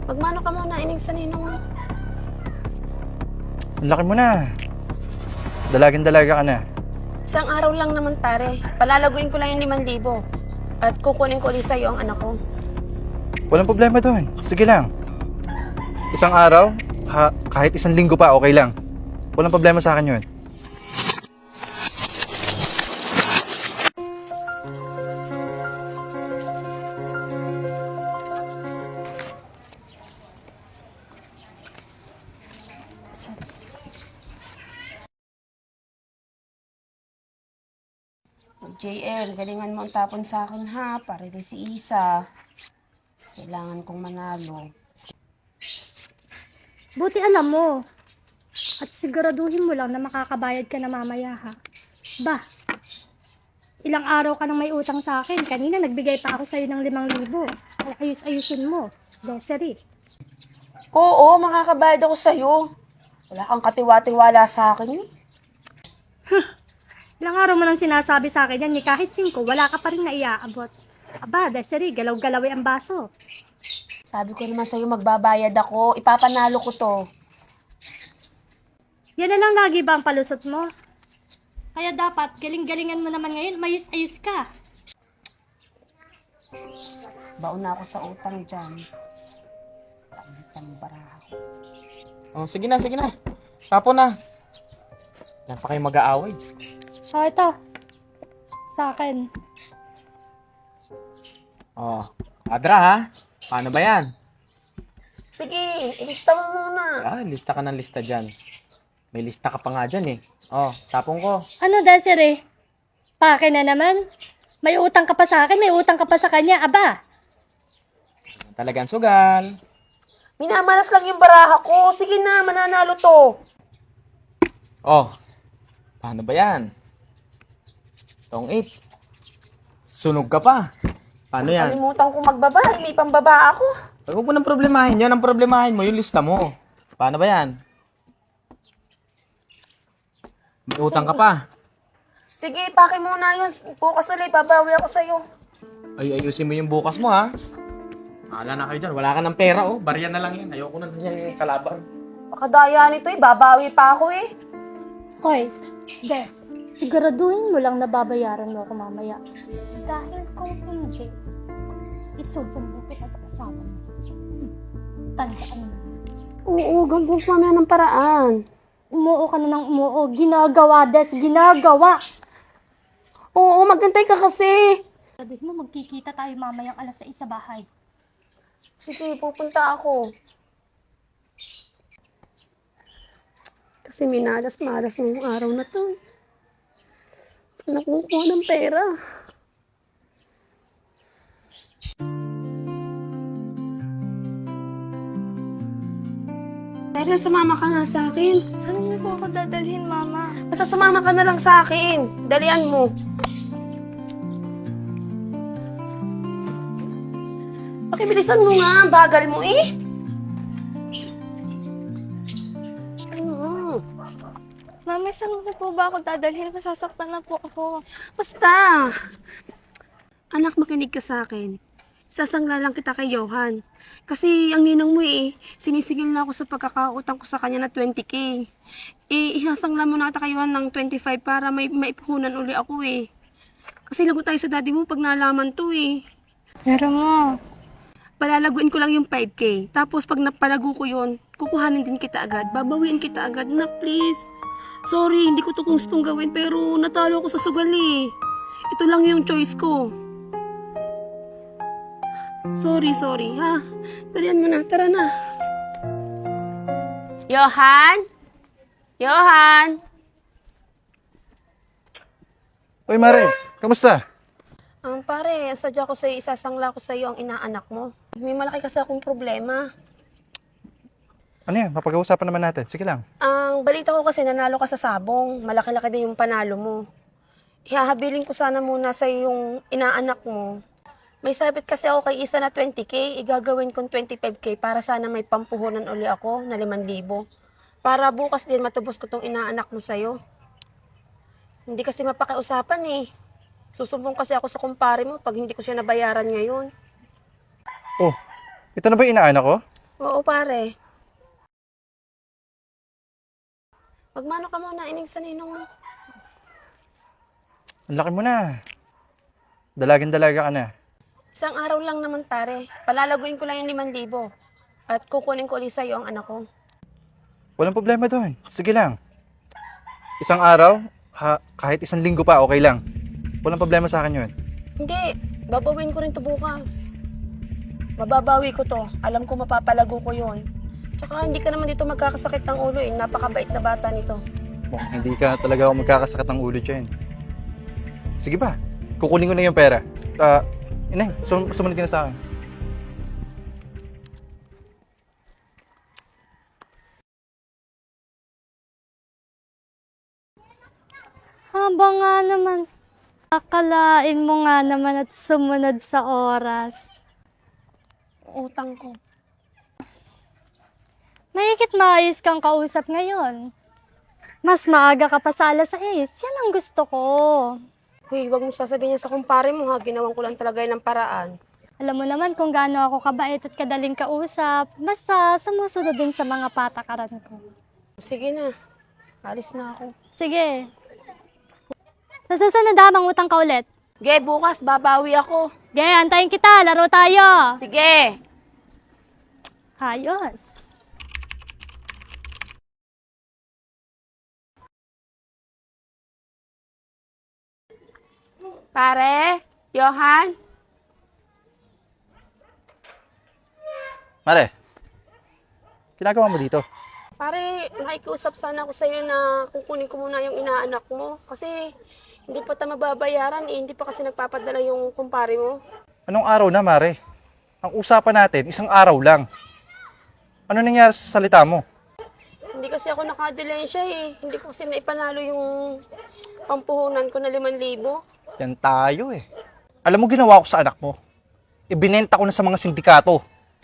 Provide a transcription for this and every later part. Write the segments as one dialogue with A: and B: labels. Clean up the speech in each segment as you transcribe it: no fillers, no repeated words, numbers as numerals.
A: Magmano ka muna, inig sa ninong mo.
B: Ang laki mo na. Dalagang-dalaga ka na.
A: Isang araw lang naman pare. Palalaguin ko lang yung 5,000. At kukunin ko ulit sa'yo ang anak ko.
B: Walang problema doon. Sige lang. Isang araw, kahit isang linggo pa, okay lang. Walang problema sa akin yun.
A: JL, galingan mo ang tapon sa akin ha, para din si Isa. Kailangan kong manalo.
C: Buti alam mo. At siguraduhin mo lang na makakabayad ka na mamaya ha. Bah, ilang araw ka nang may utang sa akin. Kanina nagbigay pa ako sa'yo ng 5,000. Ay, ayus-ayusin mo. Desiree.
A: Oo, makakabayad ako sa'yo. Wala kang katiwa-tiwala sa akin eh.
C: Ilang araw mo nang sinasabi sa akin yan, ni kahit 5, wala ka pa rin naiaabot. Aba, Desiree, galaw-galawi ang baso.
A: Sabi ko naman sa'yo, magbabayad ako. Ipapanalo ko to.
C: Yan na lang lagi ba ang palusot mo? Kaya dapat, galing-galingan mo naman ngayon, mayus-ayus ka.
A: Baon na ako sa utang dyan. Tambara ako.
D: Oh, sige na, sige na. Tapo na. Yan pa kayo mag-aaway.
C: O, ito. Sa akin.
D: Oh, Adra ha? Paano ba yan?
A: Sige, ilista mo muna.
D: Lista ka ng lista dyan. May lista ka pa nga dyan eh. Oh, tapong ko.
C: Ano, Desiree? Pake na naman? May utang ka pa sa akin, may utang ka pa sa kanya. Aba,
D: Talagang sugal.
A: Minamalas lang yung baraha ko. Sige na, mananalo to.
D: Oh, paano ba yan? Tong 8. Sunog ka pa. Paano yan?
A: Kalimutan ko magbaba. May pambaba ako.
D: Huwag mo nang problemahin yan. Ang problemahin mo yung lista mo. Paano ba yan? May utang ka pa.
A: Sige, pake muna yun. Bukas ulit, babawi ako sa'yo.
D: Ay, ayusin mo yung bukas mo ha. Mahala na kayo dyan. Wala ka ng pera oh. Barya na lang yan. Ayoko na yung kalaban.
A: Pakadaya nito eh. Babawi pa ako eh.
C: Hoy, Des, siguraduhin mo lang na babayaran mo ako mamaya. Dahil kung hindi, isusumbong kita sa kasama mo. Tandaan mo.
A: Oo, gagawin ko mamaya ng paraan.
C: Umuo ka na ng umuo. Ginagawa, Des, ginagawa.
A: Oo, magantay ka kasi.
C: Sabihin mo, magkikita tayo mamayang 6:00 sa bahay.
A: Sige, pupunta ako. Kasi minalas-malas ngayong araw na to. Saan ako kukuha ng pera? Pero sumama ka nga sa akin.
E: Saan niyo po ako dadalhin, Mama?
A: Basta sumama ka na lang sa akin. Dalian mo. Pakibilisan mo nga. Bagal mo eh. Ano?
E: Mama, saan niyo po ba ako dadalhin? Masasaktan na po ako.
A: Basta. Anak, makinig ka sa akin. Sasangla lang kita kay Johan. Kasi ang ninang mo sinisigil na ako sa pagkakautang ko sa kanya na 20K. Isasangla mo na kita kay Johan ng 25 para may maipuhunan uli ako eh. Kasi lagot tayo sa daddy mo pag nalaman to eh.
E: Pero mo,
A: Palalaguin ko lang yung 5K. Tapos pag napalago ko yun, kukuhanin din kita agad. Babawiin kita agad na please. Sorry, hindi ko to gustong gawin pero natalo ako sa sugal eh. Ito lang yung choice ko. Sorry ha. Dalian mo na, tara na. Johan? Johan?
B: Uy, Mare, kamusta?
A: Pare, sadya ko sa'yo, isasangla ko sa'yo ang inaanak mo. May malaki kasi akong problema.
B: Ano yan? Mapag-uusapan naman natin. Sige lang.
A: Ang balita ko kasi nanalo ka sa sabong. Malaki-laki din yung panalo mo. Ihahabilin ko sana muna sa'yo yung inaanak mo. May sabit kasi ako kay Isa na 20K. Igagawin kong 25K para sana may pampuhunan uli ako na 5,000. Para bukas din matubos ko tong inaanak mo sa'yo. Hindi kasi mapakiusapan eh. Susumbong kasi ako sa kumpare mo pag hindi ko siya nabayaran ngayon.
B: Oh, ito na ba yung inaanak ko?
A: Oo, pare. Magmano ka muna, inig sa ninong mo.
B: Ang laki mo na. Dalagang-dalaga ka na.
A: Isang araw lang naman, pare. Palalaguin ko lang yung 5,000. At kukunin ko ulit sa'yo ang anak ko.
B: Walang problema doon. Sige lang. Isang araw, kahit isang linggo pa, okay lang. Walang problema sa akin yun.
A: Hindi, babawin ko rin to bukas. Mababawi ko to. Alam ko mapapalago ko yon. Tsaka hindi ka naman dito magkakasakit ng ulo eh. Napakabait na bata nito.
B: Mukhang hindi ka talaga ako magkakasakit ng ulo dyan. Sige ba? Kukunin ko na yung pera. Inay, sumunod ka na sa akin.
C: Haba nga naman. Akalain mo nga naman at sumunod sa oras.
A: Utang ko.
C: Mahigit maayos kang kausap ngayon. Mas maaga ka pa sa alas 6. Yan ang gusto ko.
A: Huy, wag mo sasabihin niya sa kumpare mo ha. Ginawan ko lang talaga yun ng paraan.
C: Alam mo naman kung gaano ako kabait at kadaling kausap. Basta sumusunod din sa mga patakaran ko.
A: Sige na. Alis na ako.
C: Sige. Sa susunod ha, mangutang ka ulit.
A: Ge, bukas babawi ako.
C: Sige, antayin kita. Laro tayo.
A: Sige!
C: Ayos.
A: Pare? Johan?
B: Mare, ginagawa mo dito?
A: Pare, nakikiusap sana ako sa'yo na kukunin ko muna yung inaanak mo. Kasi hindi pa tayo mababayaran eh. Hindi pa kasi nagpapadala yung kumpare mo.
B: Anong araw na, Mare? Ang usapan natin, isang araw lang. Ano nangyari sa salita mo?
A: Hindi kasi ako nakadilensya eh. Hindi ko kasi naipanalo yung pampuhunan ko na 5,000.
B: Yan tayo eh. Alam mo ginawa ko sa anak mo? Ibinenta ko na sa mga sindikato.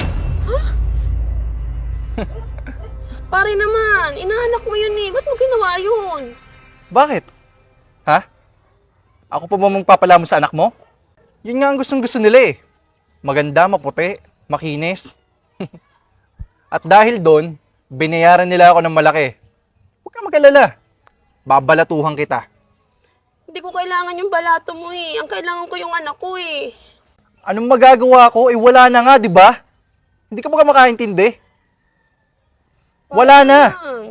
A: Pare naman, inaanak mo yun eh. Ba't mo ginawa yun?
B: Bakit? Ha? Ako pa ba magpapalamo sa anak mo? Yun nga ang gustong-gusto nila eh. Maganda, maputi, makinis. At dahil doon, binayaran nila ako ng malaki. Huwag kang mag-alala. Babalatuhan kita.
A: Hindi ko kailangan yung balato mo eh. Ang kailangan ko yung anak ko eh.
B: Anong magagawa ko? Eh wala na nga, di ba? Hindi ka ba makaintindi? Wala na.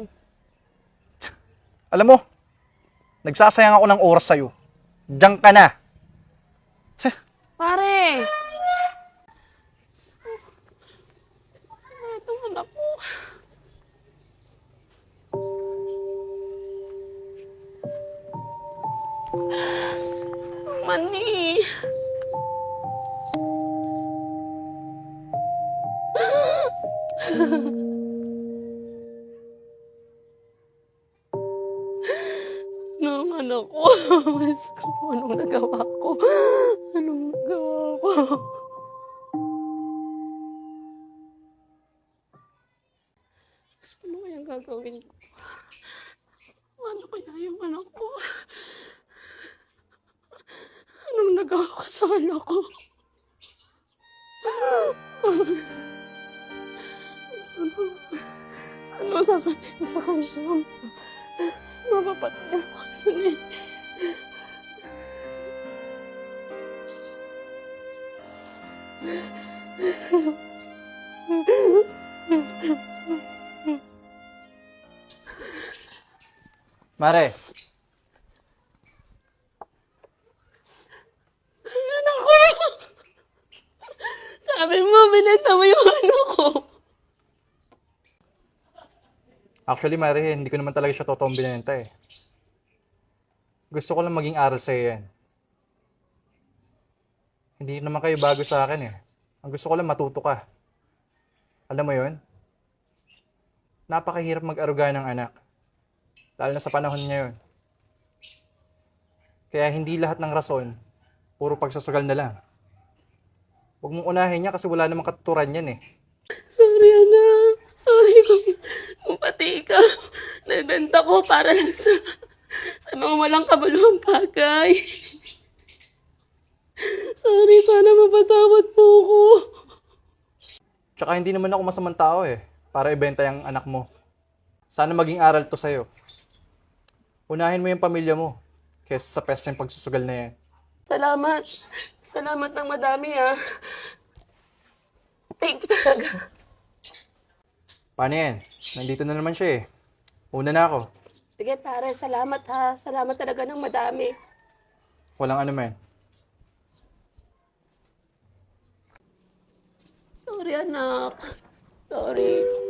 B: Alam mo, nagsasayang ako ng oras sa'yo. Diyan ka na. Tse,
A: Pare! Itong anak ko. Mani. Nung anak ko. Mas ko, anong nagawa ko? Anong nagawa ko? Ano kayang gagawin ko? Ano kaya yung anak ko? Anong nagawa ko sa anak ko? Ano sasabihin ko sa kanya? Mapapatay ako yun eh.
B: Mare,
A: Anak ko! Sabi mo, binenta mo yung anak ko.
B: actually Mare, hindi ko naman talaga siya totoong binenta eh. Gusto ko lang maging aral sa'yo yan. Hindi naman kayo bago sa akin eh. Ang gusto ko lang matuto ka. Alam mo yon? Napakahirap mag-aruga ng anak. Lalo na sa panahon ngayon. Kaya hindi lahat ng rason, puro pagsasagal na lang. Huwag mong unahin niya kasi wala namang katuturan yan eh.
A: Sorry, anak. Sorry kung pati ikaw. Nagbenta ko para lang sa mga walang kabaluang bagay. Sorry, sana mapatawad mo ko.
B: Tsaka hindi naman ako masamang tao eh, para ibenta yung anak mo. Sana maging aral to sa'yo. Unahin mo yung pamilya mo, kaysa sa pesteng pagsusugal na yan.
A: Salamat. Salamat ng madami, ha. Thank you talaga.
B: Paano yan? Nandito na naman siya eh. Una na ako.
A: Sige, pare. Salamat, ha. Salamat talaga ng madami.
B: Walang ano man.
A: Sorry, anak. Sorry.